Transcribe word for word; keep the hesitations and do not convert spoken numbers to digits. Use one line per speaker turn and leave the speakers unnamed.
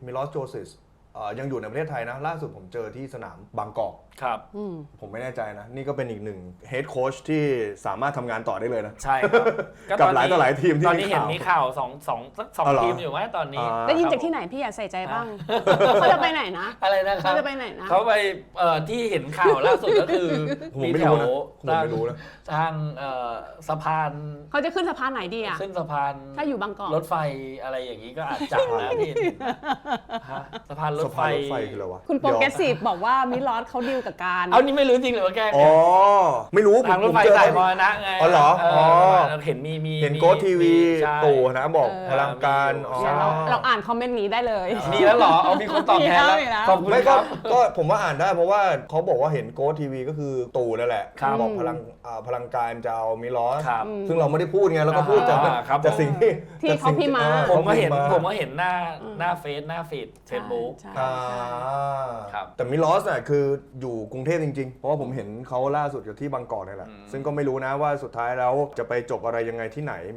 มิลอสโจซิสยังอยู่ในประเทศไทยนะล่าสุดผมเจอที่สนามบางกอก
ครับ
ผมไม่แน่ใจนะนี่ก็เป็นอีกหนึ่งเฮดโค้ชที่สามารถทำงานต่อได้เลยนะ
ใช่ครับ
กับหลายต่อหลายทีมที่
ตอนนี้เห็นมีข่าวสองสองสักสองทีมอยู่ไหมตอนนี้
ได้ยินจากที่ไหนพี่อยากใส่ใจบ้างเขาจะไปไหนนะ
อะไรนะครับ
เขาจะไปไหนนะ
เขาไปเอ่อที่เห็นข่าวล่าสุดก็คือมีแถวทางสะพาน
เขาจะขึ้นสะพานไหนดีอ่ะ
ขึ้นสะพาน
ถ้าอยู่บางกอก
รถไฟอะไรอย่างนี้ก็อาจจะนะพี่สะพานรถไฟ
คืออะไรวะ
คุณโปรเกรสซีฟบอกว่ามิลอสเขาดีลกับการ
เอานี่ไม่รู้จริงหรือว่าแก
อ๋อไม่รู้
ทางรถไฟสายมรณะไง
อ๋อเหรออ๋อ
เห็นมีมี
เห็นโค้ชทีวีตู่นะบอกพลังการ
เราเราอ่านคอมเมนต์นี้ได้เลย
มีแล้วเหรอเอามีคนตอบแทนแล้วขอบคุณครับ
ก็ผมว่าอ่านได้เพราะว่าเขาบอกว่าเห็นโค้ชทีวีก็คือตู่นั่นแหละบอกพลังพลังการจะเอามิลอสซึ่งเราไม่ได้พูดไงเราก็พูดจากจากสิ่งที่
ที่เขาพิมพ์มา
ผมก็เห็นผมก็เห็นหน้าหน้าเฟซหน้าฟีดเฟซบุ๊ก
แต่มิลอสน่ะคืออยู่กรุงเทพจริงๆเพราะว่าผมเห็นเขาล่าสุดอยู่ที่บางกอกนี่แหละซึ่งก็ไม่รู้นะว่าสุดท้ายแล้วจะไปจบอะไรยังไงที่ไหน